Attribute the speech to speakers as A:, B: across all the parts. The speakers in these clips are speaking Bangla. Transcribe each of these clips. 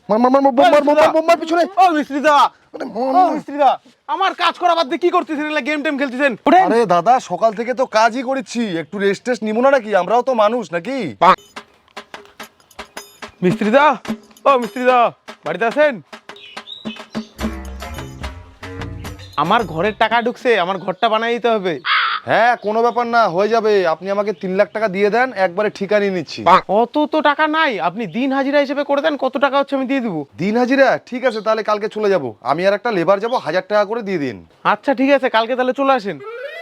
A: মার মার মার বোম মার বোম মার পিছনে।
B: ও মিস্ত্রি দা,
A: আরে
B: ও মিস্ত্রি দা, আমার কাজ করা বাদ দিয়ে কি করতেছেন? এলা গেম টেম খেলতেছেন? ওঠেন।
A: আরে দাদা সকাল থেকে তো কাজই করেছি, একটু রেস্ট টেস্ট নিব না নাকি? আমরাও তো মানুষ নাকি?
B: মিস্ত্রি দা, ও মিস্ত্রি দা, বাড়িতে আছেন? আমার ঘরের টাকা ঢুকছে, আমার ঘরটা বানাই দিতে হবে।
A: হ্যাঁ কোনো ব্যাপার না, হয়ে যাবে। আপনি আমাকে 3 লাখ টাকা দিয়ে দেন, একবারে ঠিকা নিয়ে নিচ্ছি।
B: অত তো টাকা নাই, আপনি দিন হাজিরা হিসেবে করে দেন, কত টাকা হচ্ছে আমি দিয়ে দেবো।
A: দিন হাজিরা? ঠিক আছে, তাহলে কালকে চলে যাব। আমি আর একটা লেবার যাব, 1000 টাকা করে দিয়ে দিন।
B: আচ্ছা ঠিক আছে, কালকে তাহলে চলে আসেন।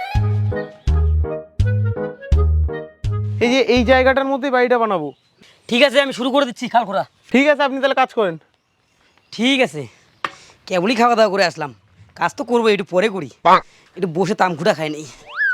B: এই যে এই জায়গাটার মধ্যে বাড়িটা বানাবো।
C: ঠিক আছে, আমি শুরু করে দিচ্ছি খাল খোঁড়া।
B: ঠিক আছে, আপনি তাহলে কাজ করেন।
C: ঠিক আছে, কেবলই খাওয়া দাওয়া করে আসলাম, কাজ তো করবো, একটু পরে করি, একটু বসে তামখুটা খাই নেই।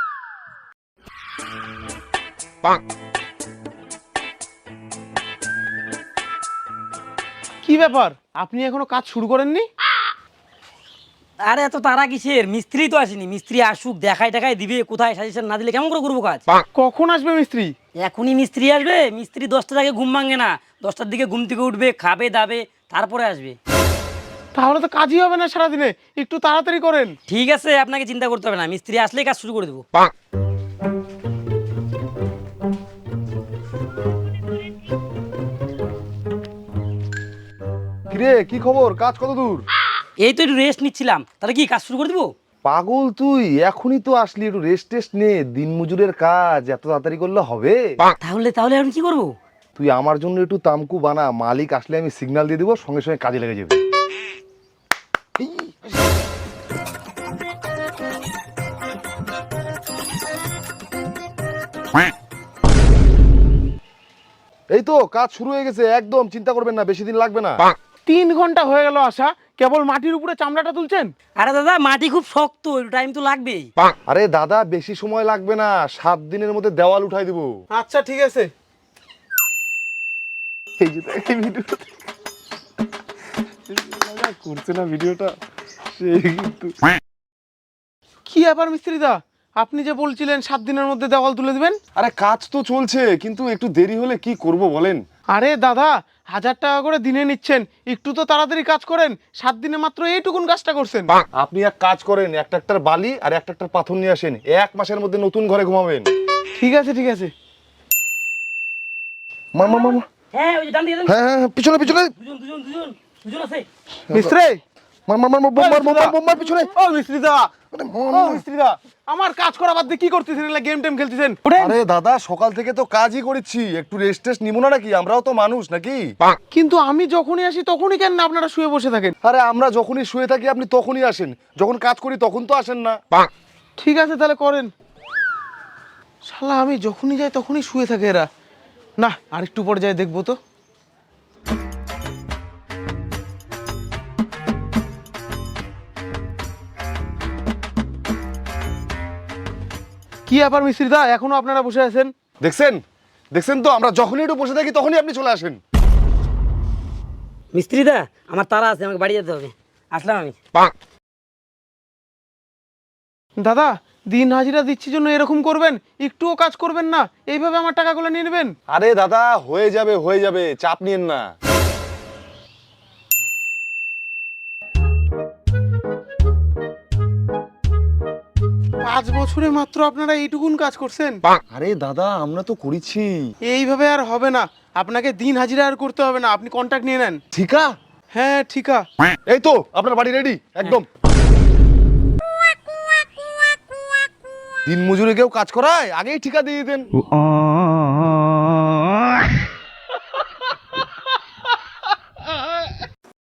B: কি ব্যাপার, আপনি এখনো কাজ শুরু করেননি?
C: আরে এত তারা কিসের? মিস্ত্রি তো আসেনি, মিস্ত্রি আসুক, দেখায় টাকায় দিবে, কোথায় সাজেশন না দিলে কেমন করে করবো কাজ?
B: কখন আসবে মিস্ত্রি?
C: এখনই মিস্ত্রি আসবে? মিস্ত্রি 10টার আগে ঘুম ভাঙে না, 10টার দিকে ঘুম থেকে উঠবে, খাবে দাবে, তারপরে আসবে।
B: তাহলে তো কাজই হবে না সারাদিনে, একটু তাড়াতাড়ি করেন।
C: ঠিক আছে, আপনাকে চিন্তা করতে হবে না, মিস্ত্রি আসলেই কাজ শুরু করে দেবো।
A: কিরে কি খবর, কাজ কত দূর?
C: এই তো একটু রেস্ট নিচ্ছিলাম, তাহলে কি কাজ শুরু করে দেবো?
A: পাগল তুই, এখনই তো আসলি, একটু রেস্ট টেস্ট নে। দিন মজুরের কাজ এত তাড়াতাড়ি করলে হবে?
C: তাহলে তাহলে এখন কি করবো?
A: তুই আমার জন্য একটু তামকু বানা, মালিক আসলে আমি সিগন্যাল দিয়ে দিব, সঙ্গে সঙ্গে কাজে লেগে যাবে। এই তো কাজ শুরু হয়ে গেছে, একদম চিন্তা করবেন না, বেশি দিন লাগবে না।
B: 3 ঘন্টা হয়ে গেল আসা, কেবল মাটির উপরে চামড়াটা তুলছেন?
C: আরে দাদা, মাটি খুব শক্ত, একটু টাইম তো লাগবেই।
A: আরে দাদা বেশি সময় লাগবে না, 7 দিনের মধ্যে দেওয়াল উঠাই দিব।
B: আচ্ছা ঠিক আছে।
A: এই যে দেখ, এই ভিডিওটা করছে না ভিডিওটা, সেই কিন্তু।
B: কি ব্যাপার মিস্ত্রি দা, আপনি যে বলছিলেন 7 দিনের মধ্যে দেওয়াল তুলে দিবেন?
A: আরে কাজ তো চলছে, কিন্তু একটু দেরি হলে কি করব বলেন?
B: আরে দাদা, 1000 টাকা করে দিনে নিচ্ছেন, একটু তো তাড়াতাড়ি কাজ করেন। 7 দিনে মাত্র এইটুকুন কাজটা করছেন।
A: আপনি এক কাজ করেন, একটা একটা বালি আর একটা একটা পাথর নিয়ে আসেন, 1 মাসের মধ্যে নতুন ঘরে ঘুমাবেন।
B: ঠিক আছে ঠিক আছে।
A: মামা মামা,
C: হ্যাঁ, ওই যে ডান দিকে,
A: হ্যাঁ হ্যাঁ হ্যাঁ, পিছনে পিছনে।
C: দুজন দুজন দুজন দুজন আছে।
B: মিস্ত্রি,
A: মার মার মার মার, বোম মার বোম মার বোম মার পিছনে।
B: ও মিস্ত্রি দা,
A: আরে
B: ও মিস্ত্রি দা, আমার কাজ করা বাদ দিয়ে কি করতেছেন? এলা গেম টেম খেলতেছেন? ওঠেন।
A: আরে দাদা সকাল থেকে তো কাজই করেছি, একটু রেস্ট টেস্ট নিব না নাকি? আমরাও তো মানুষ নাকি?
B: কিন্তু আমি যখনই আসি তখনই কেন আপনারা শুয়ে বসে থাকেন?
A: আরে আমরা যখনই শুয়ে থাকি আপনি তখনই আসেন, যখন কাজ করি তখন তো আসেন না।
B: ঠিক আছে তাহলে করেন। শালা আমি যখনই যাই তখনই শুয়ে থাকে এরা। না, আরেকটু পরে যাই দেখবো তো। কি ব্যাপার মিস্ত্রি দা, এখনো আপনারা বসে আছেন?
A: দেখছেন দেখছেন তো, আমরা যখনই একটু বসে থাকি তখনই আপনি চলে আসেন।
C: মিস্ত্রি দা, আমার তারা আছে, আমাকে বাড়ি যেতে হবে, আসলাম আমি।
B: দাদা, দিন হাজিরা দিচ্ছি জন্য এরকম করবেন? একটুও কাজ করবেন না, এইভাবে আমার টাকাগুলো নিয়ে নেবেন?
A: আরে দাদা হয়ে যাবে, চাপ নিয়েন না।
B: 5 বছরে মাত্র আপনারা এইটুকুন কাজ করছেন?
A: আরে দাদা আমরা তো করেছি।
B: এইভাবে আর হবে না, আপনাকে দিন হাজিরা আর করতে হবে না, আপনি কন্ট্রাক্ট নিয়ে নেন।
A: ঠিকা?
B: হ্যাঁ ঠিক আছে।
A: এই তো আপনার বাড়ি রেডি একদম। দিন মজুরি কেউ কাজ করায়, আগেই ঠিকা দিয়ে দেন।